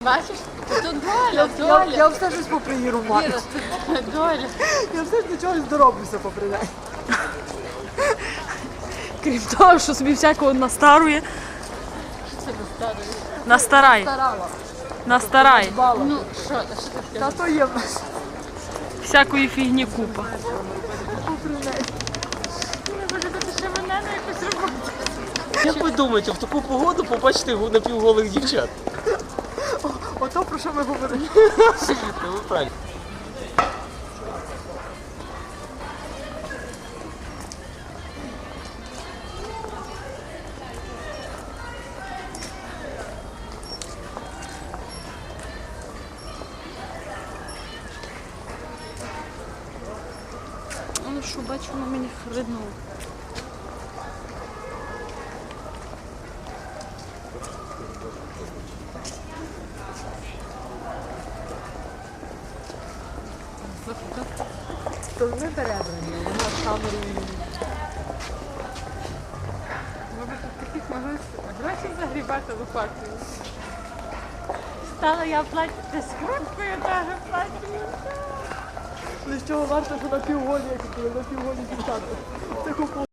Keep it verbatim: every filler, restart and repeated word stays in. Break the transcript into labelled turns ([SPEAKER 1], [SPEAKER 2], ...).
[SPEAKER 1] Бачиш? Тут доля,
[SPEAKER 2] Я,
[SPEAKER 1] доля.
[SPEAKER 2] я, я все щось попри її румати.
[SPEAKER 1] Іра, тут доля.
[SPEAKER 2] Я все ж до чогось дороблюся попри неї.
[SPEAKER 3] Крім того, що собі всякого настарує.
[SPEAKER 1] Що це достатньо?
[SPEAKER 3] Настарай.
[SPEAKER 2] Старала.
[SPEAKER 3] Настарай.
[SPEAKER 2] Бала.
[SPEAKER 1] Ну, що, та що ти
[SPEAKER 2] Та
[SPEAKER 1] скажеш?
[SPEAKER 2] то є в нас
[SPEAKER 3] Всякої фігні купа.
[SPEAKER 2] попри неї.
[SPEAKER 1] Ви будете ще мене на якусь роботу.
[SPEAKER 4] Як ви думаєте, в таку погоду побачите напівголих дівчат?
[SPEAKER 2] Ото про що ми говоримо.
[SPEAKER 4] Ну, ви правильно.
[SPEAKER 3] Ну що, бачу, воно мені хриднуло.
[SPEAKER 2] То ми перебрані, вона з камерою.
[SPEAKER 1] Ви б тут таких могли гроші загрібати лопатою. Стала я платити скруткою, теж платю.
[SPEAKER 2] З чого варто, що на півголі, як напівголі дівчата. Таку